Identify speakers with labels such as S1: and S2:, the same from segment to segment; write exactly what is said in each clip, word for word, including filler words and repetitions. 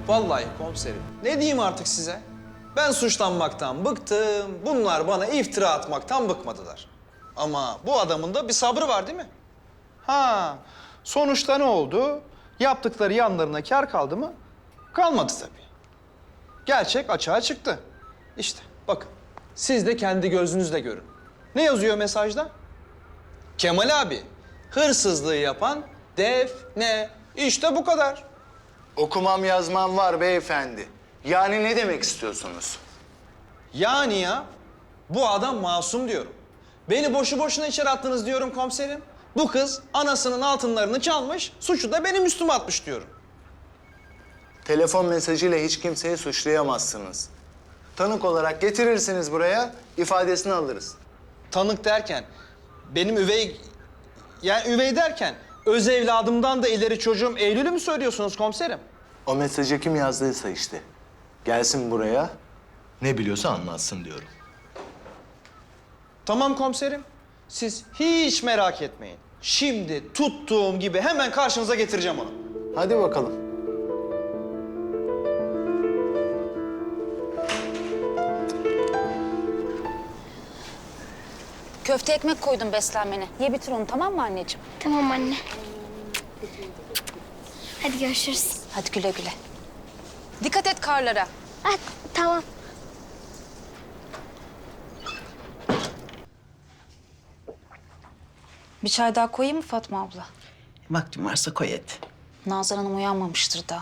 S1: Vallahi komiserim. Ne diyeyim artık size? Ben suçlanmaktan bıktım. Bunlar bana iftira atmaktan bıkmadılar. Ama bu adamın da bir sabrı var değil mi? Ha, sonuçta ne oldu? Yaptıkları yanlarına kâr kaldı mı? Kalmadı tabii. Gerçek açığa çıktı. İşte bakın, siz de kendi gözünüzle görün. Ne yazıyor mesajda? Kemal abi, hırsızlığı yapan Defne. İşte bu kadar.
S2: Okumam yazmam var beyefendi. Yani ne demek istiyorsunuz?
S1: Yani ya, bu adam masum diyorum. Beni boşu boşuna içeri attınız diyorum komiserim. Bu kız anasının altınlarını çalmış, suçu da benim üstüme atmış diyorum.
S2: Telefon mesajıyla hiç kimseyi suçlayamazsınız. Tanık olarak getirirsiniz buraya, ifadesini alırız.
S1: Tanık derken, benim üvey... Yani üvey derken, öz evladımdan da ileri çocuğum Eylül'ü mü söylüyorsunuz komiserim?
S2: O mesajı kim yazdıysa işte. Gelsin buraya, ne biliyorsa anlatsın diyorum.
S1: Tamam komiserim. Siz hiç merak etmeyin. Şimdi tuttuğum gibi hemen karşınıza getireceğim onu.
S2: Hadi bakalım.
S3: Köfte ekmek koydum beslenmene. Ye bitir onu, tamam mı anneciğim?
S4: Tamam anne. Hadi görüşürüz.
S3: Hadi güle güle. Dikkat et karlara.
S4: Ah, tamam.
S3: Bir çay daha koyayım mı Fatma abla?
S5: Vaktin varsa koy hadi.
S3: Nazan Hanım uyanmamıştır daha.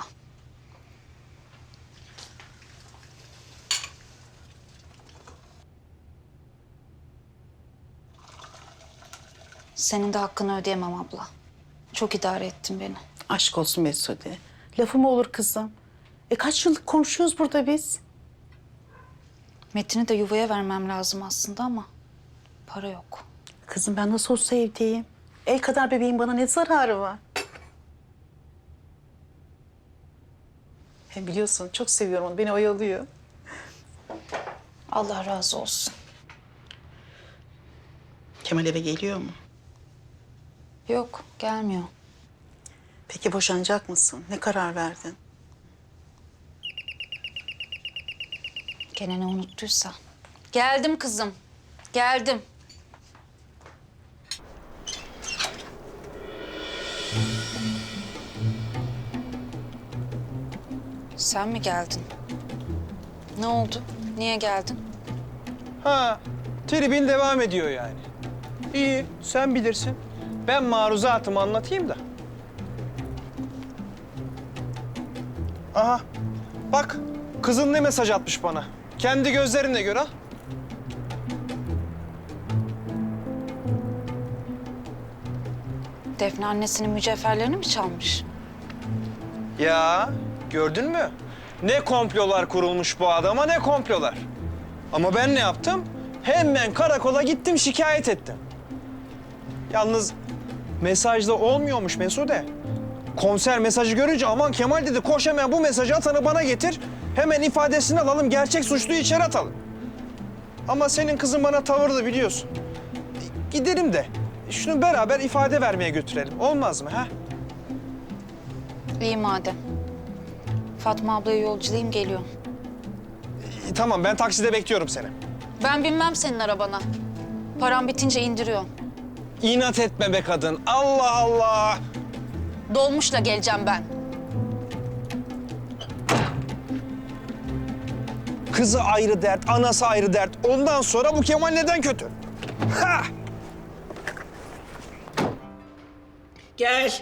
S3: Senin de hakkını ödeyemem abla. Çok idare ettin beni.
S5: Aşk olsun Mesude. Lafı mı olur kızım? E kaç yıllık komşuyuz burada biz?
S3: Metin'i de yuvaya vermem lazım aslında ama para yok.
S5: Kızım ben nasıl olsa evdeyim. El kadar bebeğin bana ne zararı var? Hem biliyorsun çok seviyorum onu. Beni oyalıyor.
S3: Allah razı olsun.
S5: Kemal eve geliyor mu?
S3: Yok, gelmiyor.
S5: Peki boşanacak mısın? Ne karar verdin?
S3: Gene ne unuttuysa. Geldim kızım, geldim. Sen mi geldin? Ne oldu? Niye geldin?
S1: Ha, tribin devam ediyor yani. İyi, sen bilirsin. Ben maruzatımı anlatayım da. Aha, bak kızın ne mesaj atmış bana. Kendi gözlerinle gör ha.
S3: Defne annesinin mücevherlerini mi çalmış?
S1: Ya, gördün mü? Ne komplolar kurulmuş bu adama, ne komplolar. Ama ben ne yaptım? Hemen karakola gittim, şikayet ettim. Yalnız mesajda olmuyormuş Mesude. Komiser mesajı görünce aman Kemal dedi, koş hemen bu mesajı atanı bana getir. Hemen ifadesini alalım, gerçek suçluyu içeri atalım. Ama senin kızın bana tavırlı biliyorsun. Gidelim de şunu beraber ifade vermeye götürelim. Olmaz mı ha?
S3: İyi madem. Fatma ablaya yolculayayım, geliyorum.
S1: İyi, tamam, ben takside bekliyorum seni.
S3: Ben binmem senin arabana. Param bitince indiriyorum.
S1: İnat etme be kadın. Allah Allah.
S3: Dolmuşla geleceğim ben.
S1: Kızı ayrı dert, anası ayrı dert. Ondan sonra bu Kemal neden kötü? Ha!
S5: Gel.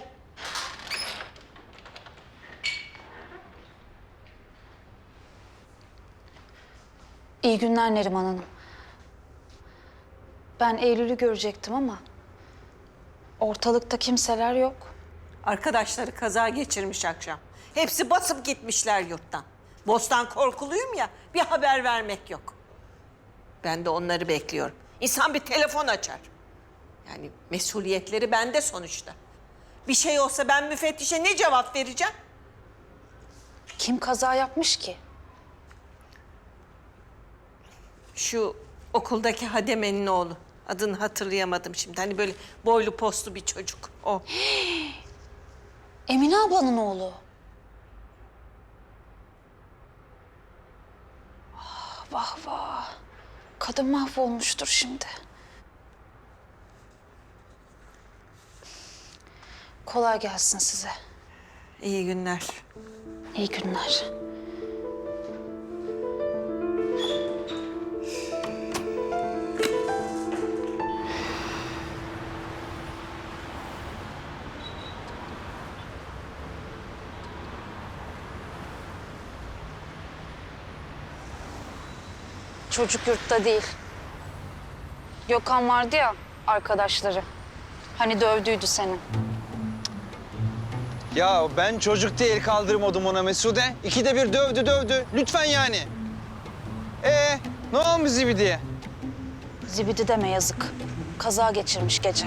S3: İyi günler Neriman Hanım. Ben Eylül'ü görecektim ama ortalıkta kimseler yok.
S6: Arkadaşları kaza geçirmiş akşam. Hepsi basıp gitmişler yurttan. Bostan korkuluyum ya, bir haber vermek yok. Ben de onları bekliyorum. İnsan bir telefon açar. Yani mesuliyetleri bende sonuçta. Bir şey olsa ben müfettişe ne cevap vereceğim?
S3: Kim kaza yapmış ki?
S6: Şu okuldaki Hademe'nin oğlu. Adını hatırlayamadım şimdi. Hani böyle boylu postlu bir çocuk. O.
S3: Emine ablanın oğlu. vah vah. Kadın mahvolmuştur şimdi. Kolay gelsin size.
S6: İyi günler.
S3: İyi günler. Çocuk yurtta değil. Gökhan vardı ya, arkadaşları. Hani dövdüydü seni.
S1: Ya ben çocuk değil kaldırmadım ona Mesude. İkide bir dövdü dövdü. Lütfen yani. Ee, ne olmuş Zibidi'ye?
S3: Zibidi deme yazık. Kaza geçirmiş gece.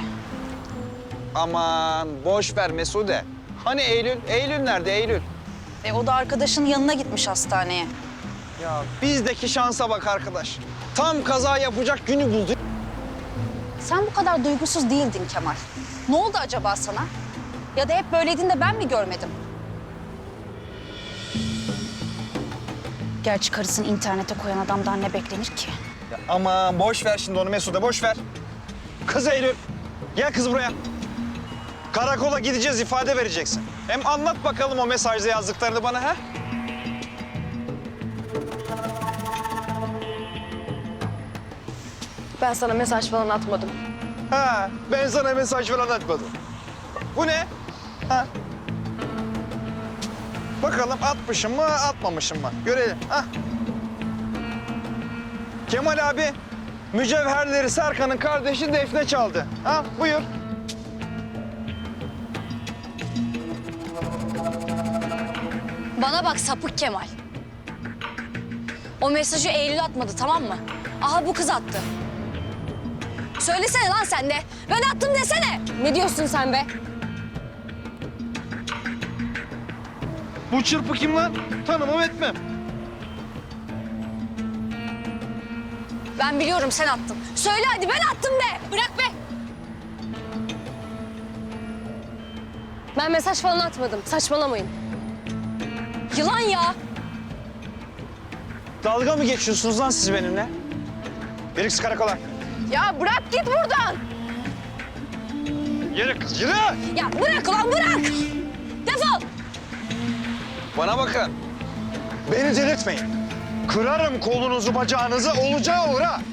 S1: Aman boş ver Mesude. Hani Eylül? Eylül nerede Eylül?
S3: E o da arkadaşının yanına gitmiş hastaneye.
S1: Ya bizdeki şansa bak arkadaş. Tam kaza yapacak günü buldu.
S3: Sen bu kadar duygusuz değildin Kemal. Ne oldu acaba sana? Ya da hep böyleydin de ben mi görmedim? Gerçi karısını internete koyan adamdan ne beklenir ki?
S1: Ya aman boş ver şimdi onu Mesude boş ver. Kız Eylül. Gel kız buraya. Karakola gideceğiz ifade vereceksin. Hem anlat bakalım o mesajda yazdıklarını bana ha?
S7: Ben sana mesaj falan atmadım.
S1: Ha, ben sana mesaj falan atmadım. Bu ne? Ha? Bakalım atmışım mı, atmamışım mı? Görelim. Ha? Kemal abi, mücevherleri Serkan'ın kardeşi Defne çaldı. Ha, buyur.
S8: Bana bak sapık Kemal. O mesajı Eylül atmadı, tamam mı? Aha bu kız attı. Söylesene lan sen de. Ben attım desene. Ne diyorsun sen be?
S1: Bu çırpı kim lan? Tanımam etmem.
S8: Ben biliyorum sen attın. Söyle hadi ben attım de. Bırak be.
S7: Ben mesaj falan atmadım. Saçmalamayın.
S8: Yılan ya.
S1: Dalga mı geçiyorsunuz lan siz benimle? Yürü kız karakola.
S8: Ya bırak git buradan.
S1: Yürü kız, yürü!
S8: Ya bırak ulan bırak. Defol.
S1: Bana bakın. Beni delirtmeyin. Kırarım kolunuzu, bacağınızı, olacağı olur ha.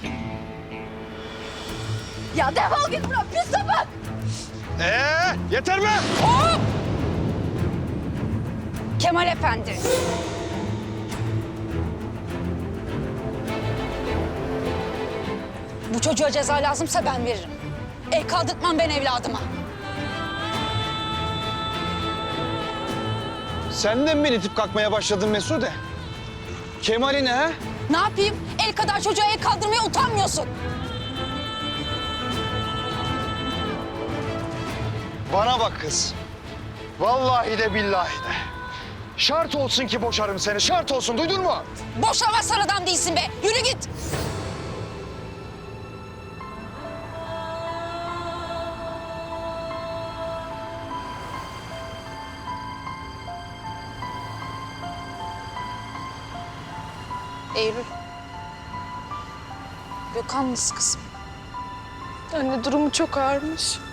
S8: Ya defol git buradan pis sapık.
S1: Ee, yeter mi?
S3: Kemal Efendi. Bu çocuğa ceza lazımsa ben veririm. El kaldırtmam ben evladıma.
S1: Sen de mi beni itip kalkmaya başladın Mesude? Kemal'i ne ha?
S3: Ne yapayım? El kadar çocuğa el kaldırmaya utanmıyorsun.
S1: Bana bak kız. Vallahi de billahi de. Şart olsun ki boşarım seni, şart olsun. Duydun mu?
S3: Boşamazsan adam değilsin be. Yürü git. Eylül. Gökhan nasıl kızım?
S7: Anne durumu çok ağırmış.